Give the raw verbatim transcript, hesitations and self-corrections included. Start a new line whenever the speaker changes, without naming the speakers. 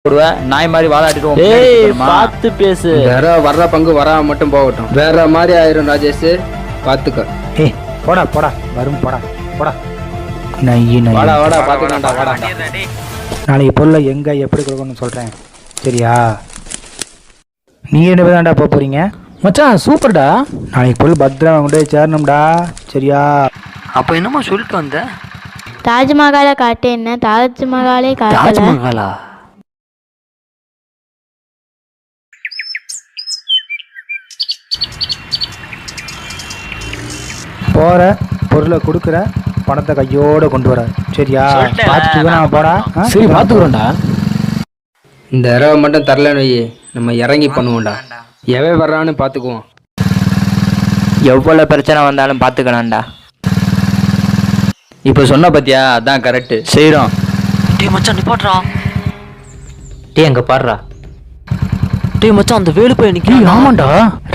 போடுவேன் நாய் மாதிரி வாதாட்டிட்டு
ஏய் பார்த்து பேசு.
வேற வர்ற பங்கு வராம மட்டும் போகட்டும். வேற மாதிரி ஆயிரும் ராஜேஷ், பாத்துக்க.
ஏய் போடா போடா வரும் போடா போடா. நையி நையி.
வாடா வாடா பாத்துக்கலாம்டா வாடா.
நாளைக்கு பொருளை எங்க எப்படி கொடுக்கணும்னு சொல்றேன் சரியா? நீ என்ன தான்டா போக போறீங்க?
மச்சான் சூப்பர்டா.
நாளைக்கு பொருள் பத்திரம் கொண்டு போய் சேரணும்டா சரியா?
அப்போ என்னமா சொல்லிட்டு வந்த?
தாஜ்மஹாலை காட்டு. என்ன தாஜ்மஹாலே காட்டல.
தாஜ்மஹாலா?
போற பொருளை கொடுக்குற, பணத்தை கையோட கொண்டு வர சரியா? பார்த்துட்டு நான் போடா.
சரி பார்த்துக்குறோம்டா.
இந்த இரவை மட்டும் தரலன்னு வை, நம்ம இறங்கி பண்ணுவோம்டா. எவன் வர்றான்னு பாத்துக்குவோம்.
எவ்வளோ பிரச்சனை வந்தாலும் பார்த்துக்கலாம்டா.
இப்போ சொன்ன பத்தியா, அதான் கரெக்டு செய்கிறோம்.
டேய் மச்சான் நிப்பாட்றா.
டே அங்கே பாடுறா.
டேய் மச்சான் அந்த வேலு போய் நிற்கிறேன்.
ஆமாண்டா.